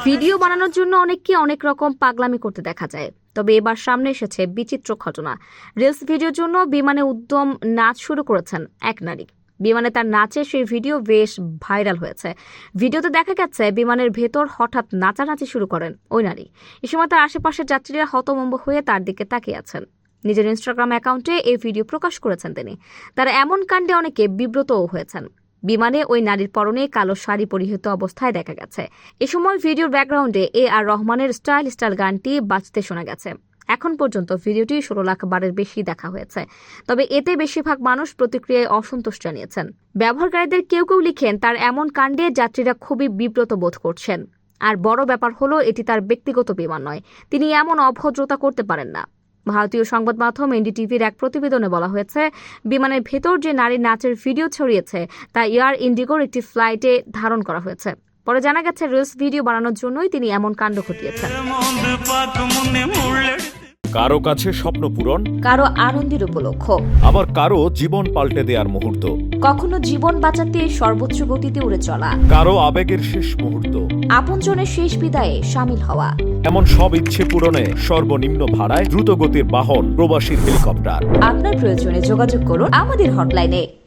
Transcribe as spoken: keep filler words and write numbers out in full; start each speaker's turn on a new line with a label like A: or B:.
A: Video বানানোর জন্য অনেককে অনেক রকম পাগলামি করতে দেখা যায়, তবে এবার সামনে এসেছে বিচিত্র ঘটনা। রিলস ভিডিওর জন্য বিমানে উদ্যম নাচ শুরু করেছেন এক নারী। বিমানে তার নাচের সেই ভিডিও বেশ ভাইরাল হয়েছে। ভিডিওতে দেখা গেছে বিমানের ভেতর হঠাৎ নাচানাচি শুরু করেন ওই নারী। এ সময় তার আশেপাশের যাত্রীরা হতভম্ব হয়ে তার দিকে তাকিয়ে আছেন। নিজের ইনস্টাগ্রাম অ্যাকাউন্টে এই ভিডিও প্রকাশ করেছেন তিনি। তার এমন কাণ্ডে অনেকে বিব্রতও হয়েছেন। বিমানে ওই নারীর পরনে কালো শাড়ি পরিহিত অবস্থায় দেখা গেছে। এ সময় ভিডিওর ব্যাকগ্রাউন্ডে এ আর রহমানের স্টাইল স্টাইল গানটি বাজতে শোনা গেছে। এখন পর্যন্ত ভিডিওটি ষোলো লাখ বারের বেশি দেখা হয়েছে। তবে এতে বেশিরভাগ মানুষ প্রতিক্রিয়ায় অসন্তোষ জানিয়েছেন। ব্যবহারকারীদের কেউ কেউ লিখেন, তার এমন কাণ্ডে যাত্রীরা খুবই বিব্রত বোধ করছেন। আর বড় ব্যাপার হলো, এটি তার ব্যক্তিগত বিমান নয়, তিনি এমন অভদ্রতা করতে পারেন না। ভারতীয় সংবাদ মাধ্যম এনডিটিভির এক প্রতিবেদনে বলা হয়েছে, বিমানের ভেতর যে নারীর নাচের ভিডিও ছড়িয়েছে তা এয়ার ইন্ডিগোর একটি ফ্লাইটে ধারণ করা হয়েছে। পরে জানা গেছে রিলস ভিডিও বানানোর জন্যই তিনি এমন কাণ্ড ঘটিয়েছেন।
B: কারো কাছে স্বপ্ন পূরণ,
A: কারো আনন্দের উপলক্ষ,
B: আবার কারো জীবন পাল্টে দেওয়ার মুহূর্ত,
A: কখনো জীবন বাঁচাতে সর্বোচ্চ গতিতে উড়ে চলা,
B: কারো আবেগের শেষ মুহূর্ত,
A: আপনজনের শেষ বিদায়ে শামিল হওয়া।
B: এমন সব ইচ্ছে পূরণে সর্বনিম্ন ভাড়ায় দ্রুতগতির বাহন প্রবাসী হেলিকপ্টার।
A: আপনার প্রয়োজনে যোগাযোগ করুন আমাদের হটলাইনে।